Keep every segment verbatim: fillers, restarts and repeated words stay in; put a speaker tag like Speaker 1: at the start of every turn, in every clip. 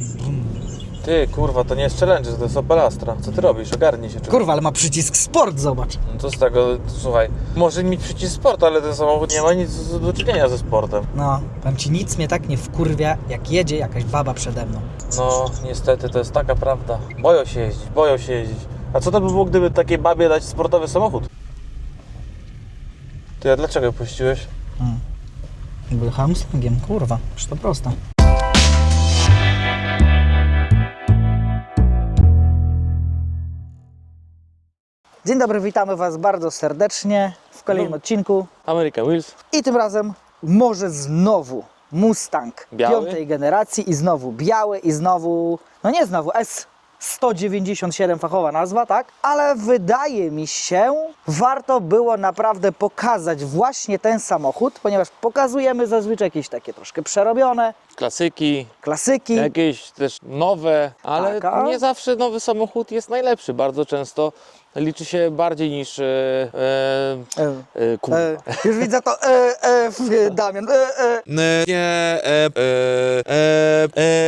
Speaker 1: Ty, kurwa, to nie jest challenge, to jest Opel Astra. Co ty robisz? Ogarnij się.
Speaker 2: Kurwa, ale ma przycisk sport, zobacz.
Speaker 1: No to z tego, słuchaj, może mieć przycisk sport, ale ten samochód nie ma nic do czynienia ze sportem.
Speaker 2: No, powiem ci, nic mnie tak nie wkurwia, jak jedzie jakaś baba przede mną.
Speaker 1: No, niestety, to jest taka prawda. Boją się jeździć, boją się jeździć. A co to by było, gdyby takiej babie dać sportowy samochód? Ty, a dlaczego puściłeś?
Speaker 2: Hmm. Był hamstringiem, kurwa, przecież to proste. Dzień dobry, witamy Was bardzo serdecznie w kolejnym
Speaker 1: No.
Speaker 2: odcinku.
Speaker 1: American Wheels.
Speaker 2: I tym razem może znowu Mustang
Speaker 1: Biały?
Speaker 2: piątej generacji i znowu biały i znowu, no nie znowu, S sto dziewięćdziesiąt siedem fachowa nazwa, tak? Ale wydaje mi się, warto było naprawdę pokazać właśnie ten samochód, ponieważ pokazujemy zazwyczaj jakieś takie troszkę przerobione
Speaker 1: Klasyki,
Speaker 2: klasyki.
Speaker 1: jakieś też nowe, ale
Speaker 2: Tak, a-
Speaker 1: nie zawsze nowy samochód jest najlepszy. Bardzo często liczy się bardziej niż e, e,
Speaker 2: E,
Speaker 1: e, kurwa.
Speaker 2: e, już widzę to, e, e, w, Damian, e, e.
Speaker 3: Nie, e, e, e,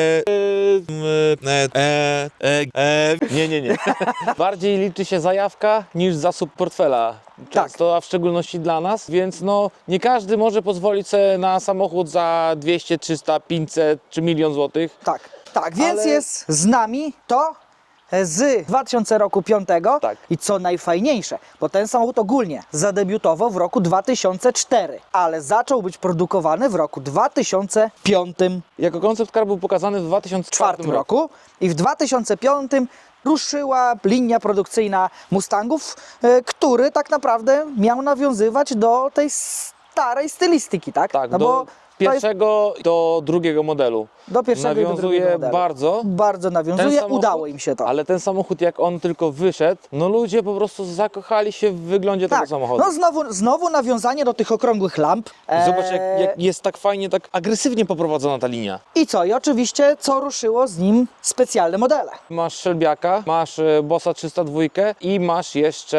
Speaker 3: e, e, e, e.
Speaker 1: Nie, nie, nie. Bardziej liczy się zajawka niż zasób portfela. Często, a w szczególności dla nas, więc no nie każdy może pozwolić sobie na samochód za dwieście, trzysta, pięćset czy milion złotych.
Speaker 2: Tak, tak, więc
Speaker 1: Ale-
Speaker 2: jest z nami to z dwa tysiące roku piątego
Speaker 1: Tak.
Speaker 2: i co najfajniejsze, bo ten samochód ogólnie zadebiutował w roku dwa tysiące czwartym, ale zaczął być produkowany w roku dwa tysiące piątym.
Speaker 1: Jako koncept car był pokazany w dwa tysiące czwartym roku.
Speaker 2: roku i w dwa tysiące piątym ruszyła linia produkcyjna Mustangów, e, który tak naprawdę miał nawiązywać do tej starej stylistyki, tak?
Speaker 1: Tak,
Speaker 2: no
Speaker 1: do
Speaker 2: bo to jest
Speaker 1: pierwszego do drugiego modelu.
Speaker 2: do pierwszego i do
Speaker 1: Nawiązuje
Speaker 2: drugiego modelu.
Speaker 1: bardzo.
Speaker 2: Bardzo nawiązuje,
Speaker 1: samochód-
Speaker 2: udało im się to.
Speaker 1: Ale ten samochód, jak on tylko wyszedł, no ludzie po prostu zakochali się w wyglądzie tego
Speaker 2: Tak,
Speaker 1: samochodu.
Speaker 2: no znowu, znowu nawiązanie do tych okrągłych lamp.
Speaker 1: Zobacz, jak,
Speaker 2: Eee,
Speaker 1: jak jest tak fajnie, tak agresywnie poprowadzona ta linia.
Speaker 2: I co? I oczywiście, co ruszyło z nim specjalne modele.
Speaker 1: Masz Shelbiaka, masz e, Bossa trzysta dwa i masz jeszcze...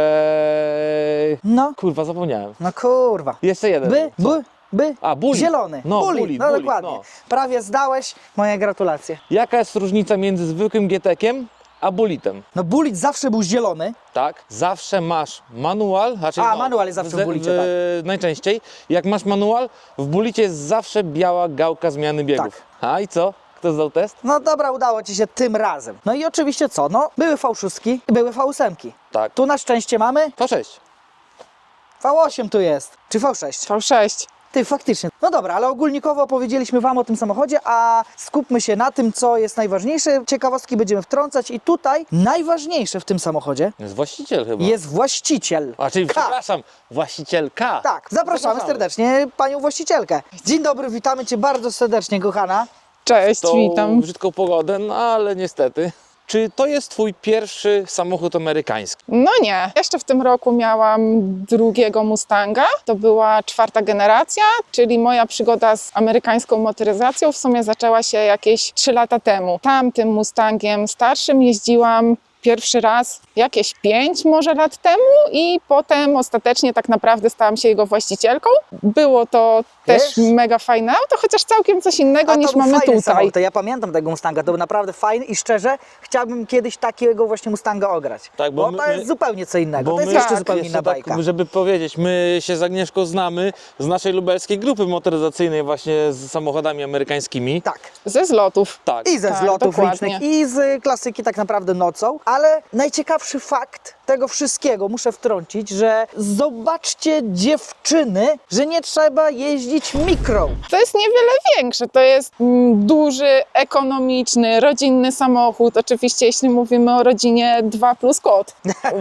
Speaker 2: No,
Speaker 1: Kurwa, zapomniałem.
Speaker 2: no kurwa.
Speaker 1: Jeszcze jeden.
Speaker 2: By,
Speaker 1: Co?
Speaker 2: by, by,
Speaker 1: A, Bullet.
Speaker 2: zielony.
Speaker 1: No,
Speaker 2: Bullet,
Speaker 1: Bullet,
Speaker 2: no
Speaker 1: Bullet,
Speaker 2: dokładnie.
Speaker 1: no.
Speaker 2: Prawie zdałeś, moje gratulacje.
Speaker 1: Jaka jest różnica między zwykłym G T Kiem a Bullitem?
Speaker 2: No Bullet zawsze był zielony.
Speaker 1: Tak, zawsze masz manual, znaczy
Speaker 2: A,
Speaker 1: no,
Speaker 2: manual jest zawsze w Bullicie,
Speaker 1: w, najczęściej. Jak masz manual, w Bullicie jest zawsze biała gałka zmiany biegów.
Speaker 2: Tak.
Speaker 1: A i co? Kto zdał test?
Speaker 2: No dobra, udało Ci się tym razem. No i oczywiście co? No, były V sześć i były V osiem.
Speaker 1: Tak.
Speaker 2: Tu na szczęście mamy
Speaker 1: V sześć.
Speaker 2: V osiem tu jest. Czy V sześć?
Speaker 4: V sześć.
Speaker 2: Ty, faktycznie. No dobra, ale ogólnikowo opowiedzieliśmy Wam o tym samochodzie, a skupmy się na tym, co jest najważniejsze. Ciekawostki będziemy wtrącać i tutaj najważniejsze w tym samochodzie
Speaker 1: Jest właściciel chyba.
Speaker 2: jest właściciel.
Speaker 1: A, czyli
Speaker 2: K.
Speaker 1: przepraszam, właścicielka.
Speaker 2: Tak, zapraszamy serdecznie panią właścicielkę. Dzień dobry, witamy Cię bardzo serdecznie, kochana.
Speaker 4: Cześć,
Speaker 1: Tą
Speaker 4: witam.
Speaker 1: brzydką pogodę, no ale niestety. Czy to jest twój pierwszy samochód amerykański?
Speaker 4: No nie, jeszcze w tym roku miałam drugiego Mustanga. To była czwarta generacja, czyli moja przygoda z amerykańską motoryzacją w sumie zaczęła się jakieś trzy lata temu. Tamtym Mustangiem starszym jeździłam pierwszy raz jakieś pięć może lat temu i potem ostatecznie tak naprawdę stałam się jego właścicielką. Było to
Speaker 2: Wiesz?
Speaker 4: też mega fajne auto, chociaż całkiem coś innego
Speaker 2: A
Speaker 4: niż
Speaker 2: to był
Speaker 4: mamy
Speaker 2: fajny
Speaker 4: tutaj.
Speaker 2: samochód, to ja pamiętam tego Mustanga, to był naprawdę fajny i szczerze chciałbym kiedyś takiego właśnie Mustanga ograć.
Speaker 1: Tak, bo
Speaker 2: bo
Speaker 1: my-
Speaker 2: to jest
Speaker 1: my-
Speaker 2: zupełnie co innego, to jest
Speaker 1: my-
Speaker 2: jeszcze
Speaker 4: tak,
Speaker 2: zupełnie
Speaker 1: jeszcze
Speaker 2: inna bajka.
Speaker 1: Tak, żeby powiedzieć, my się z Agnieszką znamy z naszej lubelskiej grupy motoryzacyjnej właśnie z samochodami amerykańskimi.
Speaker 2: Tak.
Speaker 4: Ze zlotów.
Speaker 1: Tak.
Speaker 2: I ze
Speaker 4: Tak,
Speaker 2: zlotów
Speaker 4: dokładnie.
Speaker 2: licznych, i z klasyki tak naprawdę nocą, ale najciekawszy fakt tego wszystkiego muszę wtrącić, że zobaczcie dziewczyny, że nie trzeba jeździć mikro.
Speaker 4: To jest niewiele większe. To jest mm, duży, ekonomiczny, rodzinny samochód. Oczywiście, jeśli mówimy o rodzinie dwa plus kot.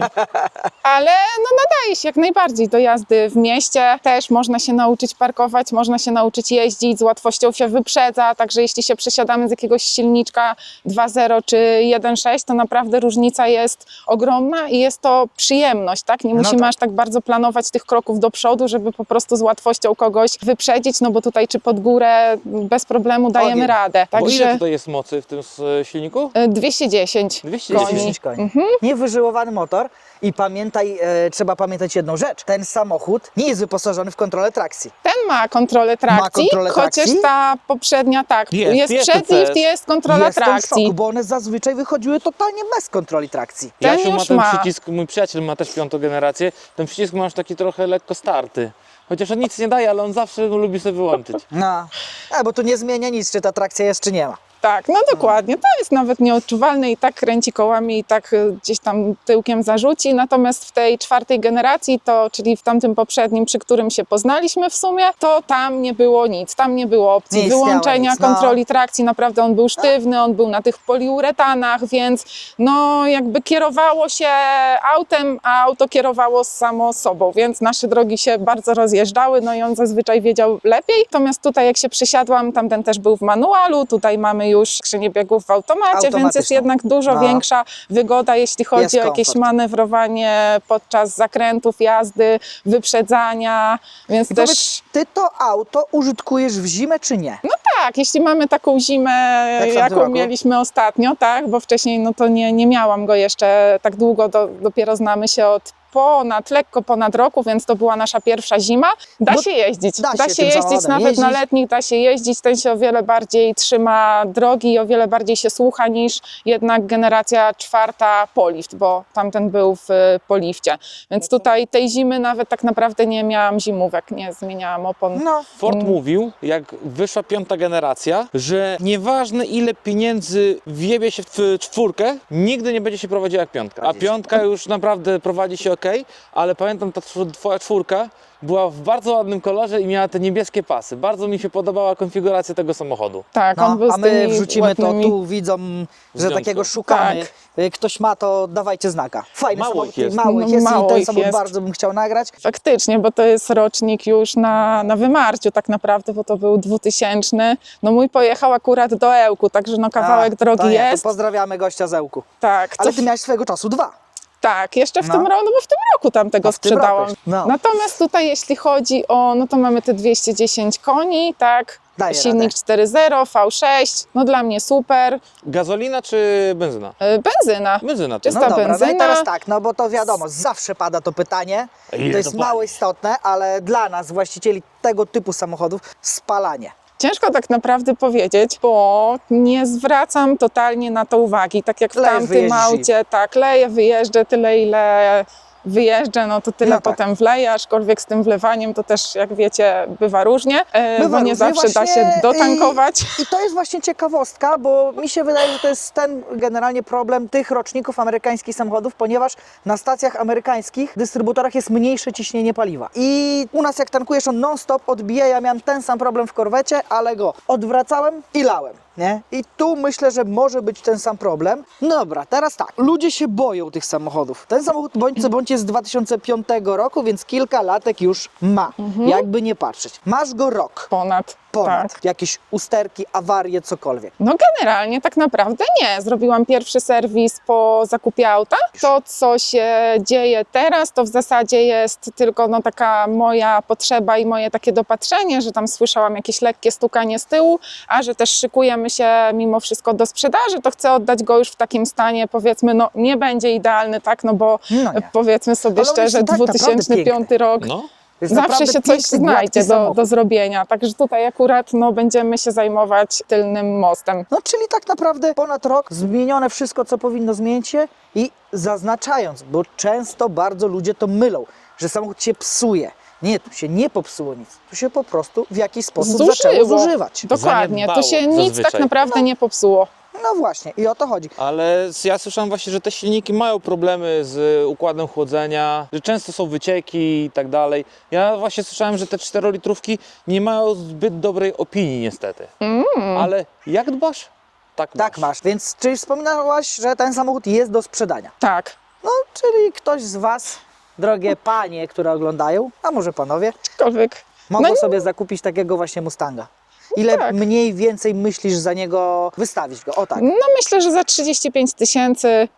Speaker 4: Ale no, nadaje się jak najbardziej do jazdy w mieście. Też można się nauczyć parkować, można się nauczyć jeździć, z łatwością się wyprzedza. Także jeśli się przesiadamy z jakiegoś silniczka dwa zero czy jeden sześć, to naprawdę różnica jest ogromna i jest to przyjemność, tak? Nie
Speaker 2: No
Speaker 4: musimy
Speaker 2: tak.
Speaker 4: aż tak bardzo planować tych kroków do przodu, żeby po prostu z łatwością kogoś wyprzedzić. wyprzedzić, no bo tutaj czy pod górę bez problemu dajemy
Speaker 2: Ogień.
Speaker 4: radę.
Speaker 1: Bo ile
Speaker 4: Także
Speaker 1: tutaj jest mocy w tym s- silniku?
Speaker 4: e, dwieście dziesięć
Speaker 1: dwieście
Speaker 4: koni.
Speaker 1: dziesięć.
Speaker 2: koni.
Speaker 4: Mhm.
Speaker 2: Niewyżyłowany motor i pamiętaj, e, trzeba pamiętać jedną rzecz. Ten samochód nie jest wyposażony w kontrolę trakcji.
Speaker 4: Ten ma kontrolę trakcji,
Speaker 2: kontrolę
Speaker 4: chociaż
Speaker 2: trakcji?
Speaker 4: ta poprzednia tak,
Speaker 1: Jest,
Speaker 4: jest,
Speaker 1: jest
Speaker 4: przedlift,
Speaker 1: T C S.
Speaker 4: jest kontrola
Speaker 2: Jestem w
Speaker 4: trakcji.
Speaker 2: szoku, bo one zazwyczaj wychodziły totalnie bez kontroli trakcji.
Speaker 4: Ten
Speaker 1: Jasiu ma
Speaker 4: już
Speaker 1: ten
Speaker 4: ma.
Speaker 1: przycisk, mój przyjaciel ma też piątą generację, ten przycisk masz taki trochę lekko starty. Chociaż on nic nie daje, ale on zawsze go lubi sobie wyłączyć.
Speaker 2: No, a, bo tu nie zmienia nic, czy ta trakcja jest, czy nie ma.
Speaker 4: Tak, no dokładnie. To jest nawet nieodczuwalne i tak kręci kołami i tak y, gdzieś tam tyłkiem zarzuci. Natomiast w tej czwartej generacji, to czyli w tamtym poprzednim, przy którym się poznaliśmy w sumie, to tam nie było nic. Tam nie było opcji
Speaker 2: Nie istniało
Speaker 4: wyłączenia
Speaker 2: nic, no.
Speaker 4: kontroli trakcji. Naprawdę on był sztywny, on był na tych poliuretanach, więc no jakby kierowało się autem, a auto kierowało samo sobą, więc nasze drogi się bardzo rozjeżdżały, no i on zazwyczaj wiedział lepiej. Natomiast tutaj jak się przysiadłam, tamten też był w manualu, tutaj mamy już skrzynię biegów w automacie, więc jest
Speaker 2: Automatyczną.
Speaker 4: jednak dużo
Speaker 2: No.
Speaker 4: większa wygoda, jeśli chodzi
Speaker 2: Jest
Speaker 4: o jakieś
Speaker 2: komfort.
Speaker 4: manewrowanie podczas zakrętów, jazdy, wyprzedzania, więc
Speaker 2: I
Speaker 4: też...
Speaker 2: powiedz, ty to auto użytkujesz w zimę, czy nie?
Speaker 4: No tak, jeśli mamy taką zimę,
Speaker 2: Jak w tamtym
Speaker 4: jaką
Speaker 2: roku?
Speaker 4: mieliśmy ostatnio, tak, bo wcześniej no to nie, nie miałam go jeszcze tak długo, do, dopiero znamy się od ponad, lekko ponad roku, więc to była nasza pierwsza zima. Da
Speaker 2: Bo
Speaker 4: się jeździć,
Speaker 2: da
Speaker 4: da
Speaker 2: się
Speaker 4: się,
Speaker 2: tym
Speaker 4: jeździć,
Speaker 2: samochodem
Speaker 4: nawet
Speaker 2: jeździć.
Speaker 4: na letnich da się jeździć, ten się o wiele bardziej trzyma drogi i o wiele bardziej się słucha niż jednak generacja czwarta Polift, bo tamten był w y, Polifcie, więc tutaj tej zimy nawet tak naprawdę nie miałam zimówek, nie zmieniałam opon.
Speaker 2: No,
Speaker 1: Ford mówił, jak wyszła piąta generacja, że nieważne ile pieniędzy wjebie się w czwórkę, nigdy nie będzie się prowadziła jak piątka. A
Speaker 2: Zgadza się.
Speaker 1: piątka już naprawdę prowadzi się ok, ale pamiętam, ta tw- twoja czwórka była w bardzo ładnym kolorze i miała te niebieskie pasy. Bardzo mi się podobała konfiguracja tego samochodu.
Speaker 4: Tak, on
Speaker 2: no
Speaker 4: był
Speaker 2: a
Speaker 4: z
Speaker 2: my
Speaker 4: tymi
Speaker 2: wrzucimy
Speaker 4: ładnymi...
Speaker 2: to tu widzom, że
Speaker 1: Zdjątko.
Speaker 2: takiego szukamy.
Speaker 4: Tak.
Speaker 2: Y, Ktoś ma, to dawajcie znaka. Fajny
Speaker 1: Mało
Speaker 2: samochód,
Speaker 1: ich jest.
Speaker 2: mało ich
Speaker 4: No,
Speaker 2: jest
Speaker 4: mało
Speaker 2: i ten
Speaker 4: ich
Speaker 2: samochód
Speaker 4: jest.
Speaker 2: bardzo bym chciał nagrać.
Speaker 4: Faktycznie, bo to jest rocznik już na, na wymarciu tak naprawdę, bo to był dwutysięczny. No mój pojechał akurat do Ełku, także no kawałek
Speaker 2: A,
Speaker 4: drogi
Speaker 2: to nie,
Speaker 4: jest.
Speaker 2: To pozdrawiamy gościa z Ełku.
Speaker 4: Tak,
Speaker 2: Ale
Speaker 4: co
Speaker 2: ty miałeś swojego czasu dwa.
Speaker 4: tak, jeszcze w
Speaker 2: No.
Speaker 4: tym roku, no bo w tym roku tam tego
Speaker 2: A w tym roku
Speaker 4: sprzedałam.
Speaker 2: jeszcze, no.
Speaker 4: Natomiast tutaj jeśli chodzi o, no to mamy te dwieście dziesięć koni, tak,
Speaker 2: Daje
Speaker 4: silnik
Speaker 2: radę.
Speaker 4: cztery zero, V sześć, no dla mnie super.
Speaker 1: Gazolina czy benzyna?
Speaker 4: Yy, benzyna.
Speaker 1: Benzyna.
Speaker 4: Czysta
Speaker 2: No dobra, no
Speaker 4: benzyna.
Speaker 2: i teraz tak, no bo to wiadomo, zawsze pada to pytanie.
Speaker 1: Ile
Speaker 2: To jest
Speaker 1: to
Speaker 2: mało
Speaker 1: pali?
Speaker 2: istotne, ale dla nas, właścicieli tego typu samochodów, spalanie.
Speaker 4: Ciężko tak naprawdę powiedzieć, bo nie zwracam totalnie na to uwagi. Tak jak w
Speaker 2: Lejesz,
Speaker 4: tamtym
Speaker 2: wyjeździsz i-
Speaker 4: aucie, tak, leję, wyjeżdżę tyle, ile wyjeżdżę, no to tyle
Speaker 2: No tak.
Speaker 4: potem wleję, aczkolwiek z tym wlewaniem to też, jak wiecie, bywa różnie, e,
Speaker 2: Bywa
Speaker 4: bo nie
Speaker 2: różnie,
Speaker 4: zawsze da
Speaker 2: właśnie,
Speaker 4: się dotankować.
Speaker 2: I to jest właśnie ciekawostka, bo mi się wydaje, że to jest ten generalnie problem tych roczników amerykańskich samochodów, ponieważ na stacjach amerykańskich, dystrybutorach jest mniejsze ciśnienie paliwa. I u nas jak tankujesz, on non-stop odbija. Ja miałem ten sam problem w korwecie, ale go odwracałem i lałem. Nie? I tu myślę, że może być ten sam problem. No dobra, teraz tak. Ludzie się boją tych samochodów. Ten samochód bądź co bądź jest z dwa tysiące piątego roku, więc kilka latek już ma. Jakby nie patrzeć. Masz go rok.
Speaker 4: Ponad.
Speaker 2: Ponad.
Speaker 4: Tak.
Speaker 2: Jakieś usterki, awarie, cokolwiek.
Speaker 4: No generalnie tak naprawdę nie. Zrobiłam pierwszy serwis po zakupie auta. To, co się dzieje teraz, to w zasadzie jest tylko no, taka moja potrzeba i moje takie dopatrzenie, że tam słyszałam jakieś lekkie stukanie z tyłu, a że też szykujemy się mimo wszystko do sprzedaży, to chcę oddać go już w takim stanie, powiedzmy, no nie będzie idealny, tak, no bo
Speaker 2: No nie.
Speaker 4: powiedzmy sobie
Speaker 2: Ale on jest
Speaker 4: szczerze,
Speaker 2: tak naprawdę
Speaker 4: dwa tysiące piąty
Speaker 2: piękny.
Speaker 4: rok.
Speaker 1: No.
Speaker 2: To jest
Speaker 4: Zawsze
Speaker 2: naprawdę
Speaker 4: się coś
Speaker 2: piękny,
Speaker 4: znajdzie
Speaker 2: gładki
Speaker 4: do,
Speaker 2: samochód.
Speaker 4: do zrobienia, także tutaj akurat no, będziemy się zajmować tylnym mostem.
Speaker 2: No czyli tak naprawdę ponad rok zmienione wszystko, co powinno zmienić się i zaznaczając, bo często bardzo ludzie to mylą, że samochód się psuje. Nie, tu się nie popsuło nic. Tu się po prostu w jakiś sposób zaczęło
Speaker 4: Zużyło.
Speaker 2: zużywać.
Speaker 4: Dokładnie, tu
Speaker 1: Zaniedbało
Speaker 4: się nic
Speaker 1: zazwyczaj.
Speaker 4: tak naprawdę
Speaker 2: No.
Speaker 4: nie popsuło.
Speaker 2: No właśnie, i o to chodzi.
Speaker 1: Ale ja słyszałem właśnie, że te silniki mają problemy z układem chłodzenia, że często są wycieki i tak dalej. Ja właśnie słyszałem, że te czterolitrówki nie mają zbyt dobrej opinii niestety.
Speaker 4: Mm.
Speaker 1: Ale jak dbasz? Tak masz.
Speaker 2: Tak masz. Więc czyli wspominałaś, że ten samochód jest do sprzedania.
Speaker 4: Tak,
Speaker 2: No, czyli ktoś z Was, drogie panie, które oglądają, a może panowie,
Speaker 4: aczkolwiek
Speaker 2: mogą
Speaker 4: No nie-
Speaker 2: sobie zakupić takiego właśnie Mustanga. Ile
Speaker 4: tak.
Speaker 2: mniej więcej myślisz za niego wystawić go? O tak.
Speaker 4: no myślę, że za trzydzieści pięć tysięcy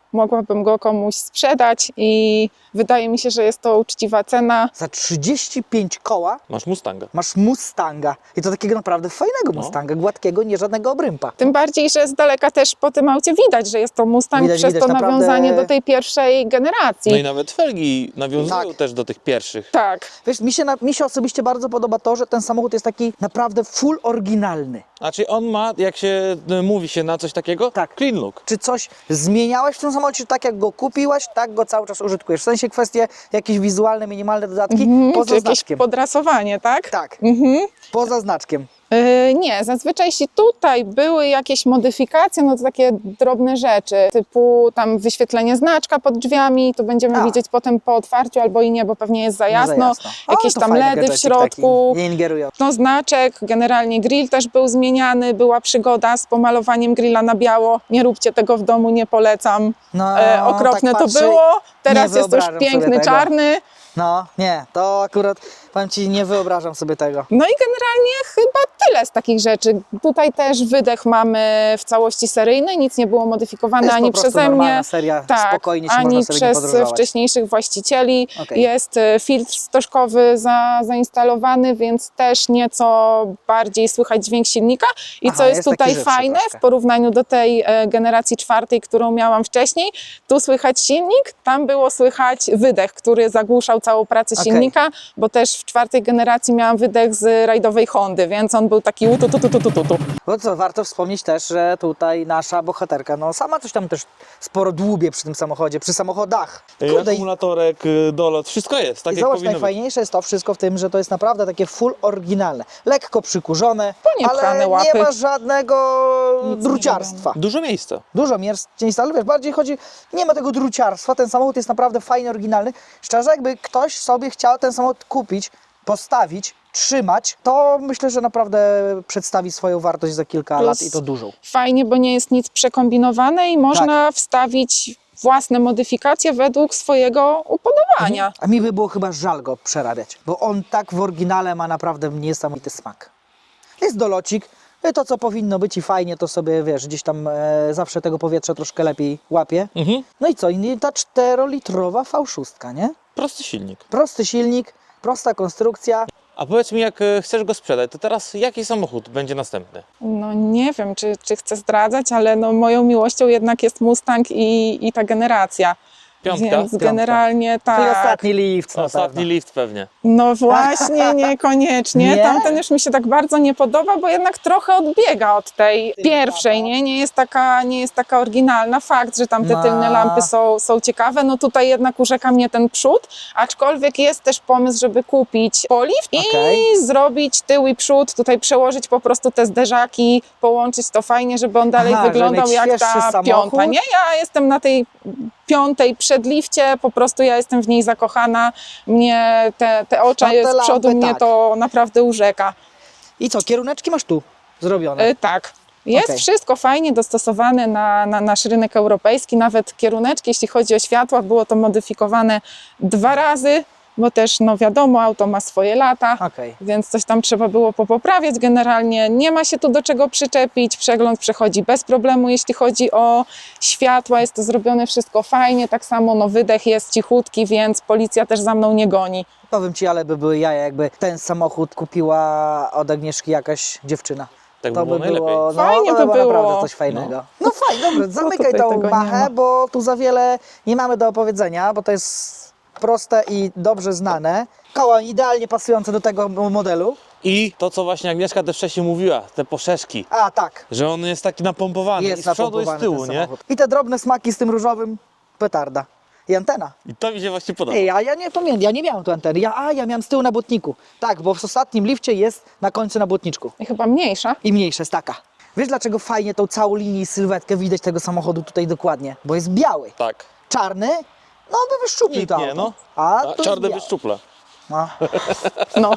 Speaker 4: mogłabym go komuś sprzedać i wydaje mi się, że jest to uczciwa cena.
Speaker 2: Za trzydzieści pięć koła
Speaker 1: Masz Mustanga.
Speaker 2: masz Mustanga. I to takiego naprawdę fajnego
Speaker 1: No.
Speaker 2: Mustanga, gładkiego, nie żadnego obrympa.
Speaker 4: Tym bardziej, że z daleka też po tym aucie widać, że jest to Mustang
Speaker 2: Widać,
Speaker 4: przez
Speaker 2: widać,
Speaker 4: to
Speaker 2: naprawdę-
Speaker 4: nawiązanie do tej pierwszej generacji.
Speaker 1: No i nawet felgi nawiązują
Speaker 2: Tak.
Speaker 1: też do tych pierwszych.
Speaker 4: Tak.
Speaker 2: Wiesz, mi się, na, mi się osobiście bardzo podoba to, że ten samochód jest taki naprawdę full oryginalny.
Speaker 1: Znaczy on ma, jak się y, mówi się na coś takiego,
Speaker 2: Tak.
Speaker 1: clean look.
Speaker 2: Czy coś zmieniałeś w tym samochodzie, tak jak go kupiłaś, tak go cały czas użytkujesz? W sensie kwestie jakieś wizualne, minimalne dodatki,
Speaker 4: Mhm,
Speaker 2: poza
Speaker 4: czy jakieś
Speaker 2: znaczkiem.
Speaker 4: podrasowanie, tak?
Speaker 2: Tak,
Speaker 4: Mhm.
Speaker 2: poza znaczkiem.
Speaker 4: Yy, nie, zazwyczaj jeśli tutaj były jakieś modyfikacje, no to takie drobne rzeczy, typu tam wyświetlenie znaczka pod drzwiami, to będziemy
Speaker 2: A.
Speaker 4: widzieć potem po otwarciu albo i nie, bo pewnie jest za
Speaker 2: No
Speaker 4: jasno.
Speaker 2: za jasno. O,
Speaker 4: Jakieś
Speaker 2: to
Speaker 4: tam
Speaker 2: fajny
Speaker 4: ledy w
Speaker 2: gadżecik
Speaker 4: środku.
Speaker 2: taki, nie ingerują.
Speaker 4: No znaczek, generalnie grill też był zmieniany, była przygoda z pomalowaniem grilla na biało. Nie róbcie tego w domu, nie polecam.
Speaker 2: No,
Speaker 4: E, okropne
Speaker 2: tak
Speaker 4: to
Speaker 2: patrzę,
Speaker 4: było, teraz jest już
Speaker 2: wyobrażam sobie
Speaker 4: piękny,
Speaker 2: tego.
Speaker 4: czarny.
Speaker 2: No, nie, to akurat, powiem Ci, nie wyobrażam sobie tego.
Speaker 4: No i generalnie chyba tyle z takich rzeczy. Tutaj też wydech mamy w całości seryjny, nic nie było modyfikowane
Speaker 2: Jest
Speaker 4: ani
Speaker 2: po prostu
Speaker 4: przeze
Speaker 2: normalna
Speaker 4: mnie.
Speaker 2: seria,
Speaker 4: Tak,
Speaker 2: spokojnie się
Speaker 4: ani
Speaker 2: można sobie nie
Speaker 4: przez
Speaker 2: podróżować.
Speaker 4: wcześniejszych właścicieli.
Speaker 2: Okej.
Speaker 4: Jest e, filtr stożkowy za, zainstalowany, więc też nieco bardziej słychać dźwięk silnika. I
Speaker 2: Aha,
Speaker 4: co jest,
Speaker 2: jest taki
Speaker 4: tutaj
Speaker 2: żywszy
Speaker 4: fajne
Speaker 2: troszkę.
Speaker 4: w porównaniu do tej e, generacji czwartej, którą miałam wcześniej, tu słychać silnik, tam było słychać wydech, który zagłuszał całą pracę
Speaker 2: Okej.
Speaker 4: silnika, bo też w czwartej generacji miałam wydech z rajdowej Hondy, więc on był taki utu, tu, tu, tu, tu, tu, tu.
Speaker 2: Bo co, warto wspomnieć też, że tutaj nasza bohaterka, no sama coś tam też sporo dłubie przy tym samochodzie, przy samochodach.
Speaker 1: Y,
Speaker 2: Kurde, i
Speaker 1: Akumulatorek, y, dolot, wszystko jest, tak
Speaker 2: i
Speaker 1: jak
Speaker 2: zobacz,
Speaker 1: powinno być.
Speaker 2: najfajniejsze jest to wszystko w tym, że to jest naprawdę takie full oryginalne. Lekko przykurzone,
Speaker 4: Poniepchane
Speaker 2: ale
Speaker 4: łapy.
Speaker 2: nie ma żadnego
Speaker 4: Nic nie
Speaker 2: druciarstwa.
Speaker 1: Dużo miejsca.
Speaker 2: Dużo miejsca, ale wiesz, bardziej chodzi, nie ma tego druciarstwa, ten samochód jest naprawdę fajny, oryginalny. Szczerze, jakby ktoś sobie chciał ten samochód kupić, postawić, trzymać, to myślę, że naprawdę przedstawi swoją wartość za kilka
Speaker 4: Plus-
Speaker 2: lat i to dużą.
Speaker 4: Fajnie, bo nie jest nic przekombinowane i można wstawić własne modyfikacje według swojego upodobania.
Speaker 2: A mi by było chyba żal go przerabiać, bo on tak w oryginale ma naprawdę niesamowity smak. Jest dolocik, i to co powinno być i fajnie, to sobie wiesz, gdzieś tam e, zawsze tego powietrza troszkę lepiej łapie.
Speaker 1: Mhm.
Speaker 2: No i co, i ta czterolitrowa V sześć, nie?
Speaker 1: Prosty silnik.
Speaker 2: Prosty silnik, prosta konstrukcja.
Speaker 1: A powiedz mi, jak y, chcesz go sprzedać, to teraz jaki samochód będzie następny?
Speaker 4: No nie wiem, czy, czy chcę zdradzać, ale no, moją miłością jednak jest Mustang i, i ta generacja.
Speaker 1: Piątka?
Speaker 4: Więc
Speaker 2: Piątka.
Speaker 4: generalnie tak.
Speaker 2: Czyli ostatni lift na
Speaker 1: Ostatni
Speaker 2: pewno.
Speaker 1: lift pewnie.
Speaker 4: No właśnie, niekoniecznie.
Speaker 2: Nie?
Speaker 4: Tamten już mi się tak bardzo nie podoba, bo jednak trochę odbiega od tej pierwszej, nie? Nie jest taka, nie jest taka oryginalna. Fakt, że tam te
Speaker 2: No.
Speaker 4: tylne lampy są, są ciekawe, no tutaj jednak urzeka mnie ten przód, aczkolwiek jest też pomysł, żeby kupić polift i
Speaker 2: Okej.
Speaker 4: zrobić tył i przód, tutaj przełożyć po prostu te zderzaki, połączyć to fajnie, żeby on dalej
Speaker 2: Aha, żeby
Speaker 4: wyglądał
Speaker 2: mieć
Speaker 4: jak
Speaker 2: świeższy
Speaker 4: ta
Speaker 2: samochód?
Speaker 4: piąta, nie? Ja jestem na tej piątej przedlifcie, po prostu ja jestem w niej zakochana, mnie te, te oczy
Speaker 2: No te
Speaker 4: z przodu
Speaker 2: lampy,
Speaker 4: mnie
Speaker 2: tak.
Speaker 4: to naprawdę urzeka.
Speaker 2: I co, kieruneczki masz tu zrobione?
Speaker 4: E, tak. Jest
Speaker 2: Okej.
Speaker 4: wszystko fajnie dostosowane na, na nasz rynek europejski, nawet kieruneczki, jeśli chodzi o światła, było to modyfikowane dwa razy, bo też, no wiadomo, auto ma swoje lata,
Speaker 2: Okej.
Speaker 4: więc coś tam trzeba było popoprawiać generalnie. Nie ma się tu do czego przyczepić, przegląd przechodzi bez problemu, jeśli chodzi o światła, jest to zrobione wszystko fajnie, tak samo no wydech jest cichutki, więc policja też za mną nie goni.
Speaker 2: Powiem Ci, ale by były jaja, jakby ten samochód kupiła od Agnieszki jakaś dziewczyna.
Speaker 1: Tak
Speaker 2: To
Speaker 1: by było
Speaker 2: by
Speaker 1: najlepiej.
Speaker 2: było, no,
Speaker 4: Fajnie
Speaker 2: to
Speaker 4: by
Speaker 2: by
Speaker 4: było.
Speaker 2: naprawdę coś fajnego. No, fajnie, dobrze, zamykaj
Speaker 4: tutaj
Speaker 2: tą
Speaker 4: tego nie
Speaker 2: machę,
Speaker 4: ma.
Speaker 2: bo tu za wiele nie mamy do opowiedzenia, bo to jest proste i dobrze znane. Koła idealnie pasujące do tego modelu.
Speaker 1: I to, co właśnie Agnieszka też wcześniej mówiła, te poszerzki,
Speaker 2: A tak,
Speaker 1: że on jest taki napompowany i
Speaker 2: jest
Speaker 1: z przodu i z
Speaker 2: napompowany
Speaker 1: tyłu,
Speaker 2: ten
Speaker 1: nie?
Speaker 2: samochód. I te drobne smaki z tym różowym, petarda. I antena.
Speaker 1: I to mi się właśnie podoba.
Speaker 2: Ej, a ja nie pamiętam, ja nie miałem tu anteny. Ja, a, ja miałem z tyłu na błotniku. Tak, bo w ostatnim lifcie jest na końcu na błotniczku.
Speaker 4: I chyba mniejsza.
Speaker 2: I mniejsza jest taka. Wiesz dlaczego fajnie tą całą linię i sylwetkę widać tego samochodu tutaj dokładnie? Bo jest biały.
Speaker 1: Tak.
Speaker 2: Czarny, no by wyszczuplił
Speaker 1: Nikt
Speaker 2: to
Speaker 1: nie,
Speaker 2: auto.
Speaker 1: no.
Speaker 2: A,
Speaker 1: A
Speaker 2: tu jest
Speaker 1: czarne
Speaker 2: biały.
Speaker 1: wyszczuple.
Speaker 2: No.
Speaker 4: No.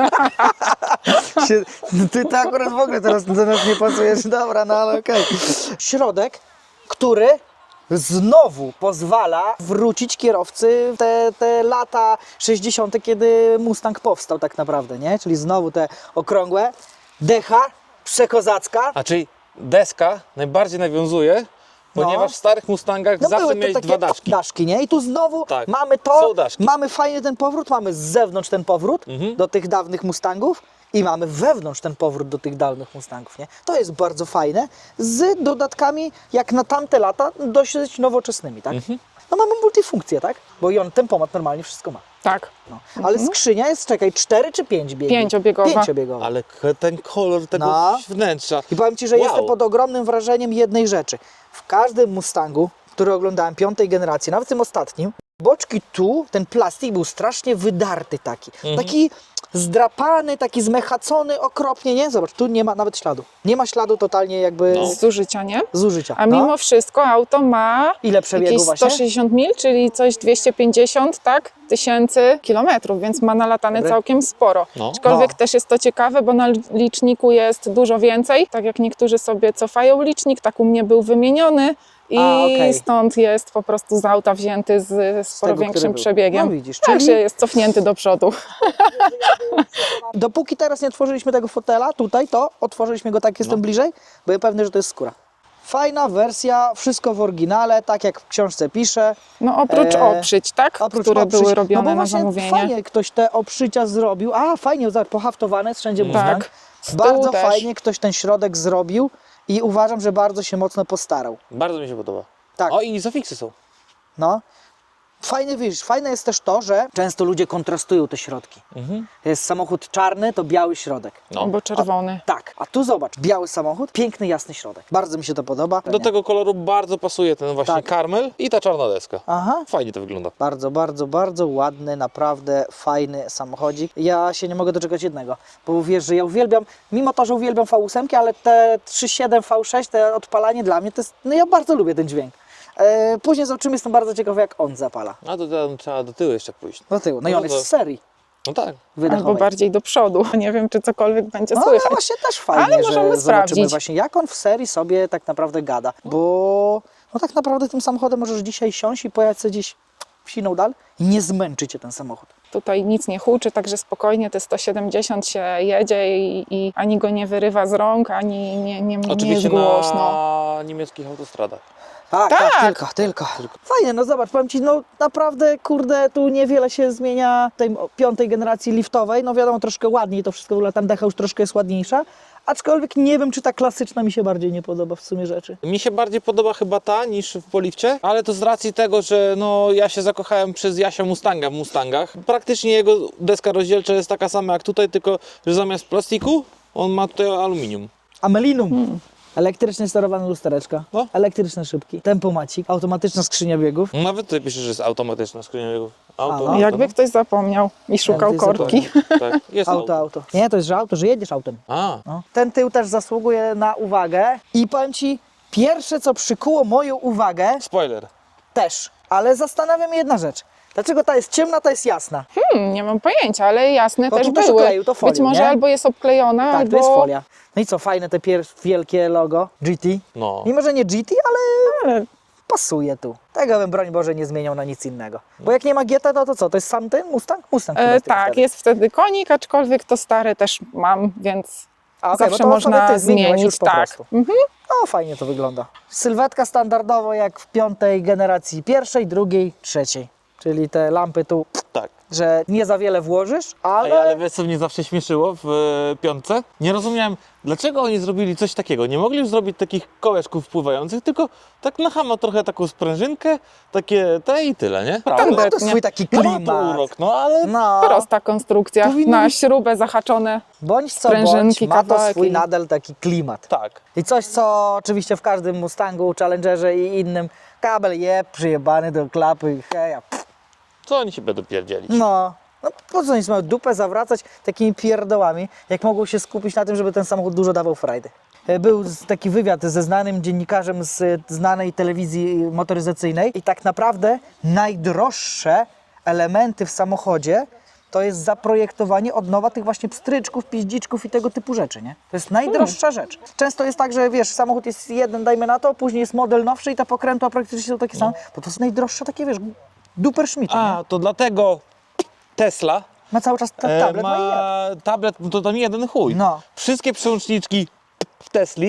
Speaker 2: Się- Ty to akurat w ogóle teraz do nas nie pasujesz, dobra, no ale okej. Środek, który znowu pozwala wrócić kierowcy w te, te lata sześćdziesiąte, kiedy Mustang powstał tak naprawdę, nie? Czyli znowu te okrągłe, decha przekozacka.
Speaker 1: A czyli deska najbardziej nawiązuje Ponieważ w starych Mustangach
Speaker 2: No
Speaker 1: zawsze
Speaker 2: były to
Speaker 1: miałeś
Speaker 2: takie
Speaker 1: dwa daszki.
Speaker 2: daszki, nie? I tu znowu
Speaker 1: Tak,
Speaker 2: mamy
Speaker 1: są
Speaker 2: to,
Speaker 1: daszki.
Speaker 2: mamy fajny ten powrót, mamy z zewnątrz ten powrót
Speaker 1: Mhm.
Speaker 2: do tych dawnych Mustangów i mamy wewnątrz ten powrót do tych dawnych Mustangów, nie? To jest bardzo fajne, z dodatkami jak na tamte lata dosyć nowoczesnymi, tak?
Speaker 1: Mhm.
Speaker 2: No mamy multifunkcję, tak? Bo i on tempomat normalnie wszystko ma.
Speaker 4: Tak.
Speaker 2: No. Ale skrzynia jest, czekaj, cztery czy pięć biegów?
Speaker 4: Pięciobiegowa.
Speaker 2: Pięciobiegowa.
Speaker 1: Ale k- ten kolor tego
Speaker 2: No.
Speaker 1: wnętrza.
Speaker 2: I powiem Ci, że
Speaker 1: Wow.
Speaker 2: jestem pod ogromnym wrażeniem jednej rzeczy. W każdym Mustangu, który oglądałem piątej generacji, nawet w tym ostatnim, boczki tu, ten plastik był strasznie wydarty taki.
Speaker 1: Mhm.
Speaker 2: Taki zdrapany, taki zmechacony okropnie, nie? Zobacz, tu nie ma nawet śladu. Nie ma śladu totalnie jakby
Speaker 1: No.
Speaker 2: z
Speaker 4: Zużycia, nie?
Speaker 2: zużycia.
Speaker 4: A
Speaker 2: No.
Speaker 4: mimo wszystko auto ma
Speaker 2: Ile przebiegu
Speaker 4: jakieś
Speaker 2: właśnie?
Speaker 4: sto sześćdziesiąt mil, czyli coś dwieście pięćdziesiąt, tak, tysięcy kilometrów, więc ma nalatane
Speaker 2: Dobre.
Speaker 4: całkiem sporo.
Speaker 1: No.
Speaker 4: Aczkolwiek
Speaker 2: No.
Speaker 4: też jest to ciekawe, bo na liczniku jest dużo więcej. Tak jak niektórzy sobie cofają licznik, tak u mnie był wymieniony i
Speaker 2: A, okej.
Speaker 4: stąd jest po prostu z auta wzięty z sporo
Speaker 2: tego, który
Speaker 4: większym
Speaker 2: był.
Speaker 4: przebiegiem.
Speaker 2: No widzisz,
Speaker 4: Także
Speaker 2: czyli-
Speaker 4: jest cofnięty do przodu.
Speaker 2: Dopóki teraz nie otworzyliśmy tego fotela, tutaj to, otworzyliśmy go tak, jestem
Speaker 1: No.
Speaker 2: bliżej, byłem pewny, że to jest skóra. Fajna wersja, wszystko w oryginale, tak jak w książce pisze.
Speaker 4: No oprócz
Speaker 2: E,
Speaker 4: oprzyć, tak,
Speaker 2: Oprócz
Speaker 4: które
Speaker 2: oprzyć.
Speaker 4: były
Speaker 2: No
Speaker 4: robione
Speaker 2: bo
Speaker 4: na
Speaker 2: właśnie
Speaker 4: zamówienie.
Speaker 2: fajnie ktoś te oprzycia zrobił. A, fajnie, zobacz, pohaftowane jest wszędzie Mustang.
Speaker 4: Tak. Z tyłu
Speaker 2: Bardzo
Speaker 4: też.
Speaker 2: fajnie ktoś ten środek zrobił i uważam, że bardzo się mocno postarał.
Speaker 1: Bardzo mi się podoba.
Speaker 2: Tak.
Speaker 1: O, i zafiksy są.
Speaker 2: No. Fajne, wiesz, fajne jest też to, że często ludzie kontrastują te środki.
Speaker 1: Mhm.
Speaker 2: Jest samochód czarny, to biały środek.
Speaker 1: No.
Speaker 4: Albo czerwony.
Speaker 2: Tak, a tu zobacz, biały samochód, piękny, jasny środek. Bardzo mi się to podoba.
Speaker 1: Do tego koloru bardzo pasuje ten właśnie
Speaker 2: Tak.
Speaker 1: karmel i ta czarna deska.
Speaker 2: Aha.
Speaker 1: Fajnie to wygląda.
Speaker 2: Bardzo, bardzo, bardzo ładny, naprawdę fajny samochodzik. Ja się nie mogę doczekać jednego, bo wiesz, że ja uwielbiam, mimo to, że uwielbiam V osiem, ale te trzy siedem V sześć, te odpalanie dla mnie, to jest, no ja bardzo lubię ten dźwięk. E, później zobaczymy, jestem bardzo ciekawy, jak on zapala.
Speaker 1: A to tam trzeba do tyłu jeszcze pójść.
Speaker 2: Do tyłu. No i
Speaker 1: No
Speaker 2: on
Speaker 1: to-
Speaker 2: jest w serii
Speaker 1: No tak.
Speaker 2: wydechowej.
Speaker 4: Albo bardziej do przodu. Nie wiem, czy cokolwiek będzie
Speaker 2: No, no
Speaker 4: słychać.
Speaker 2: właśnie też fajnie,
Speaker 4: Ale
Speaker 2: że
Speaker 4: możemy
Speaker 2: zobaczymy
Speaker 4: sprawdzić.
Speaker 2: właśnie, jak on w serii sobie tak naprawdę gada. Bo no tak naprawdę tym samochodem możesz dzisiaj siąść i pojechać sobie gdzieś w siną dal i nie zmęczy cię ten samochód.
Speaker 4: Tutaj nic nie huczy, także spokojnie te sto siedemdziesiąt się jedzie i, i ani go nie wyrywa z rąk, ani nie, nie, nie jest
Speaker 1: Oczywiście
Speaker 4: głośno.
Speaker 1: na niemieckich autostradach.
Speaker 2: Tak, tak,
Speaker 4: Tak.
Speaker 2: tylko, tylko, Fajnie, no zobacz, powiem Ci, no naprawdę, kurde, tu niewiele się zmienia tej piątej generacji liftowej. No wiadomo, troszkę ładniej to wszystko wygląda, tam decha już troszkę jest ładniejsza. Aczkolwiek nie wiem, czy ta klasyczna mi się bardziej nie podoba w sumie rzeczy.
Speaker 1: Mi się bardziej podoba chyba ta niż w Polifcie, ale to z racji tego, że no, ja się zakochałem przez Jasia Mustanga w Mustangach. Praktycznie jego deska rozdzielcza jest taka sama jak tutaj, tylko że zamiast plastiku on ma tutaj aluminium.
Speaker 2: Amelinum. Hmm. Elektrycznie sterowane lustereczka,
Speaker 1: No.
Speaker 2: elektryczne szybki, tempomacik, automatyczna skrzynia biegów.
Speaker 1: Nawet tutaj pisze, że jest automatyczna skrzynia biegów. Auto,
Speaker 2: A, no.
Speaker 1: auto,
Speaker 4: Jakby ktoś zapomniał i szukał
Speaker 2: Jakby ktoś
Speaker 4: korki.
Speaker 1: Tak, jest
Speaker 2: Auto,
Speaker 1: auto.
Speaker 2: auto. Nie, to jest, że auto, że jedziesz autem.
Speaker 1: A,
Speaker 2: No. Ten tył też zasługuje na uwagę i powiem Ci, pierwsze co przykuło moją uwagę
Speaker 1: spoiler.
Speaker 2: też, ale zastanawiam się jedna rzecz. Dlaczego ta jest ciemna, ta jest jasna?
Speaker 4: Hmm, nie mam pojęcia, ale jasne
Speaker 2: No
Speaker 4: też
Speaker 2: tu też
Speaker 4: były.
Speaker 2: okleił to folią,
Speaker 4: Być może
Speaker 2: nie?
Speaker 4: albo jest obklejona,
Speaker 2: Tak,
Speaker 4: albo...
Speaker 2: to jest folia. No i co, fajne te pier- wielkie logo G T.
Speaker 1: No.
Speaker 2: Mimo, że nie G T, ale
Speaker 4: Ale
Speaker 2: pasuje tu. Tego bym, broń Boże, nie zmieniał na nic innego. Bo jak nie ma G T, no to co, to jest sam ten Mustang? Mustang chyba
Speaker 4: e,
Speaker 2: jest
Speaker 4: tak,
Speaker 2: wtedy.
Speaker 4: jest wtedy konik, aczkolwiek to stare też mam, więc
Speaker 2: A, okej,
Speaker 4: zawsze
Speaker 2: bo to
Speaker 4: można
Speaker 2: sobie ty zmieniłeś
Speaker 4: zmienić.
Speaker 2: już po
Speaker 4: Tak.
Speaker 2: prostu.
Speaker 4: Mhm.
Speaker 2: No, fajnie to wygląda. Sylwetka standardowo jak w piątej generacji pierwszej, drugiej, trzeciej. Czyli te lampy tu,
Speaker 1: Tak.
Speaker 2: że nie za wiele włożysz, ale...
Speaker 1: Ej, ale wiesz co mnie zawsze śmieszyło w e, piątce? Nie rozumiałem, dlaczego oni zrobili coś takiego. Nie mogli już zrobić takich kołeczków pływających, tylko tak na chama trochę taką sprężynkę, takie te i tyle, nie? Prawda?
Speaker 2: no to
Speaker 4: Tandetnie.
Speaker 2: swój taki
Speaker 1: No ma to
Speaker 2: klimat.
Speaker 1: urok, no ale
Speaker 2: No,
Speaker 4: Prosta konstrukcja,
Speaker 2: Powinno
Speaker 4: na
Speaker 2: być-
Speaker 4: śrubę zahaczone.
Speaker 2: bądź co bądź,
Speaker 4: sprężynki,
Speaker 2: ma to
Speaker 4: kawałek
Speaker 2: swój
Speaker 4: i-
Speaker 2: nadal taki klimat.
Speaker 1: tak.
Speaker 2: I coś, co oczywiście w każdym Mustangu, Challengerze i innym, kabel je przyjebany do klapy, heja. pff.
Speaker 1: Co oni się będą pierdzielić?
Speaker 2: No, no po co oni mają dupę zawracać takimi pierdołami, jak mogą się skupić na tym, żeby ten samochód dużo dawał frajdy. E, Był z- taki wywiad ze znanym dziennikarzem z e, znanej telewizji motoryzacyjnej i tak naprawdę najdroższe elementy w samochodzie to jest zaprojektowanie od nowa tych właśnie pstryczków, piździczków i tego typu rzeczy, nie? To jest najdroższa rzecz. Często jest tak, że wiesz, samochód jest jeden, dajmy na to, później jest model nowszy i te pokrętła praktycznie są takie same, bo to jest najdroższe takie, wiesz, duper szmity, nie?
Speaker 1: A, to dlatego Tesla
Speaker 2: Ma cały czas ten
Speaker 1: e,
Speaker 2: tablet, no i jeb.
Speaker 1: ma tablet, no to tam jeden chuj.
Speaker 2: No.
Speaker 1: Wszystkie przełączniczki w Tesli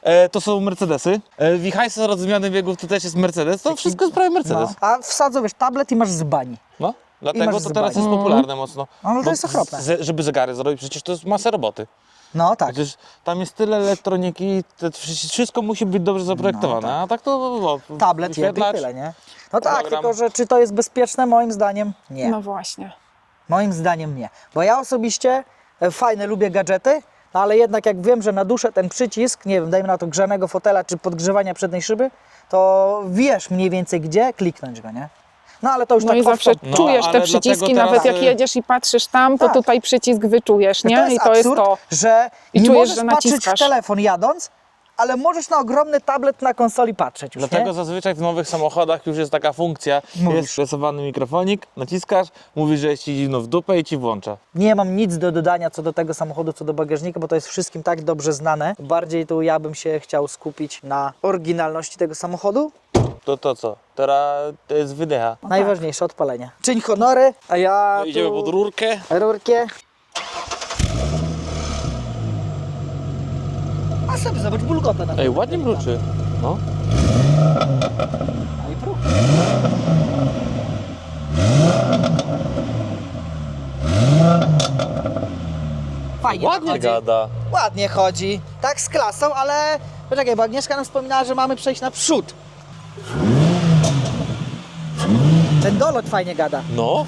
Speaker 1: E, to są Mercedesy. E, Wichajsa od zmiany biegów to też jest Mercedes. To wszystko jest prawie Mercedes.
Speaker 2: No. A wsadzą, wiesz, tablet i masz z bani.
Speaker 1: No. Dlatego
Speaker 2: masz
Speaker 1: to teraz
Speaker 2: zbani.
Speaker 1: jest popularne mocno.
Speaker 2: No, to
Speaker 1: Bo
Speaker 2: jest okropne.
Speaker 1: z- żeby zegary zrobić, przecież to jest masa roboty.
Speaker 2: No tak.
Speaker 1: Przecież tam jest tyle elektroniki, to wszy- wszystko musi być dobrze zaprojektowane, a tak to... O,
Speaker 2: Tablet jebie i
Speaker 1: wyświetlacz.
Speaker 2: tyle, nie? No tak,
Speaker 1: program.
Speaker 2: tylko że czy to jest bezpieczne? Moim zdaniem nie.
Speaker 4: No właśnie.
Speaker 2: Moim zdaniem nie. Bo ja osobiście e, fajne lubię gadżety, no ale jednak jak wiem, że na duszę ten przycisk, nie wiem, dajmy na to grzanego fotela czy podgrzewania przedniej szyby, to wiesz mniej więcej gdzie kliknąć go, nie? No ale to już
Speaker 4: No
Speaker 2: tak
Speaker 4: i
Speaker 2: off
Speaker 4: zawsze
Speaker 2: top.
Speaker 1: No,
Speaker 4: czujesz
Speaker 1: ale
Speaker 4: te
Speaker 1: dlatego
Speaker 4: przyciski,
Speaker 1: teraz,
Speaker 4: nawet jak
Speaker 1: y-
Speaker 4: jedziesz i patrzysz tam, to
Speaker 2: Tak.
Speaker 4: tutaj przycisk wyczujesz, nie?
Speaker 2: To jest
Speaker 4: I to jest
Speaker 2: absurd,
Speaker 4: to.
Speaker 2: że
Speaker 4: I
Speaker 2: nie
Speaker 4: czujesz,
Speaker 2: możesz
Speaker 4: że
Speaker 2: patrzeć w
Speaker 4: naciskasz.
Speaker 2: telefon jadąc, ale możesz na ogromny tablet na konsoli patrzeć już,
Speaker 1: Dlatego
Speaker 2: nie?
Speaker 1: zazwyczaj w nowych samochodach już jest taka funkcja,
Speaker 2: Mówisz.
Speaker 1: jest stresowany mikrofonik, naciskasz, mówisz, że jest ci zimno w dupę i ci włącza.
Speaker 2: Nie mam nic do dodania co do tego samochodu, co do bagażnika, bo to jest wszystkim tak dobrze znane. Bardziej tu ja bym się chciał skupić na oryginalności tego samochodu.
Speaker 1: To to co? Teraz to jest wydecha.
Speaker 2: Najważniejsze, odpalenie. Czyń honory, a ja
Speaker 1: No, idziemy
Speaker 2: tu...
Speaker 1: pod rurkę.
Speaker 2: Rurkę. A sobie zobacz, bulgotę na
Speaker 1: Ej, ładnie mruczy. No.
Speaker 2: No i próg. Fajnie to
Speaker 1: Ładnie
Speaker 2: chodzi.
Speaker 1: gada.
Speaker 2: Ładnie chodzi. Tak z klasą, ale... Poczekaj, bo Agnieszka nam wspominała, że mamy przejść naprzód. Ten dolot fajnie gada.
Speaker 1: No.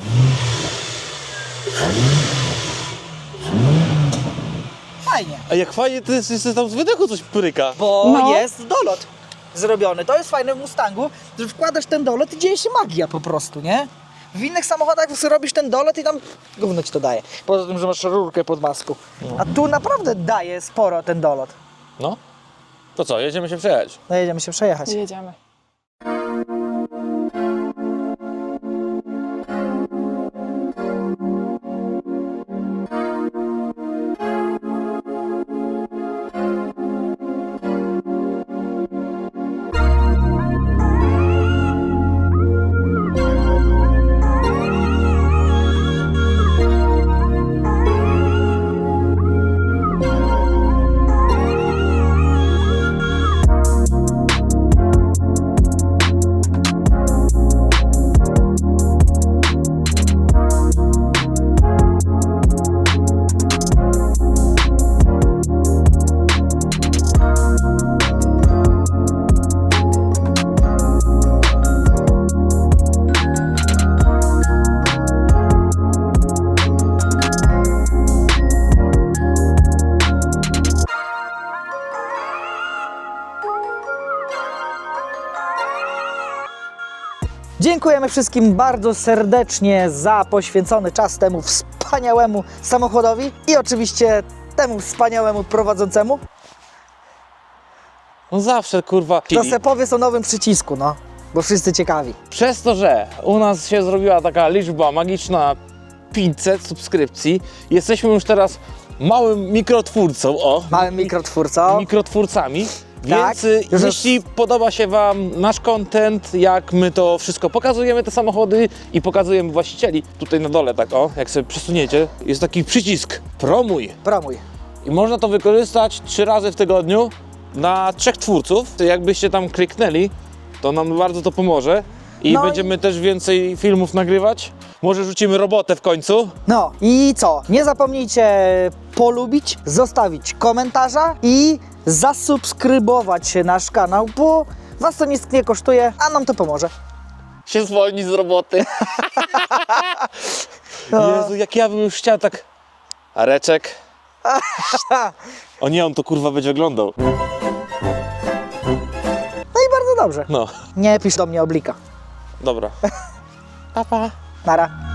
Speaker 2: Fajnie.
Speaker 1: A jak fajnie to jest, jest tam z wydechu coś pryka.
Speaker 2: Bo
Speaker 4: No.
Speaker 2: jest dolot zrobiony. To jest fajne w Mustangu, że wkładasz ten dolot i dzieje się magia po prostu, nie? W innych samochodach robisz ten dolot i tam gówno ci to daje. Poza tym, że masz rurkę pod masku. A tu naprawdę daje sporo ten dolot.
Speaker 1: No. To co, jedziemy się przejechać.
Speaker 2: No jedziemy się przejechać.
Speaker 4: Jedziemy.
Speaker 2: Dziękujemy wszystkim bardzo serdecznie za poświęcony czas temu wspaniałemu samochodowi i oczywiście temu wspaniałemu prowadzącemu.
Speaker 1: No zawsze, kurwa.
Speaker 2: To se powiedz o nowym przycisku, no. Bo wszyscy ciekawi.
Speaker 1: Przez to, że u nas się zrobiła taka liczba magiczna pięćset subskrypcji, jesteśmy już teraz małym mikrotwórcą, o,
Speaker 2: Małym mikrotwórcą.
Speaker 1: mikrotwórcami.
Speaker 2: Tak,
Speaker 1: Więc y,
Speaker 2: już
Speaker 1: jeśli podoba się Wam nasz content, jak my to wszystko pokazujemy, te samochody i pokazujemy właścicieli, tutaj na dole tak o, jak sobie przesuniecie, jest taki przycisk promuj
Speaker 2: Promuj.
Speaker 1: i można to wykorzystać trzy razy w tygodniu na trzech twórców. Jakbyście tam kliknęli, to nam bardzo to pomoże i
Speaker 2: No i-
Speaker 1: będziemy też więcej filmów nagrywać. Może rzucimy robotę w końcu.
Speaker 2: No i co? Nie zapomnijcie polubić, zostawić komentarza i zasubskrybować nasz kanał, bo Was to nic nie kosztuje, a nam to pomoże.
Speaker 1: Się zwolni z roboty.
Speaker 2: No.
Speaker 1: Jezu, jak ja bym już chciał tak... Areczek. O nie, on to kurwa będzie oglądał.
Speaker 2: No i bardzo dobrze.
Speaker 1: No,
Speaker 2: Nie pisz do mnie oblika.
Speaker 1: dobra. Pa, pa.
Speaker 2: Nara.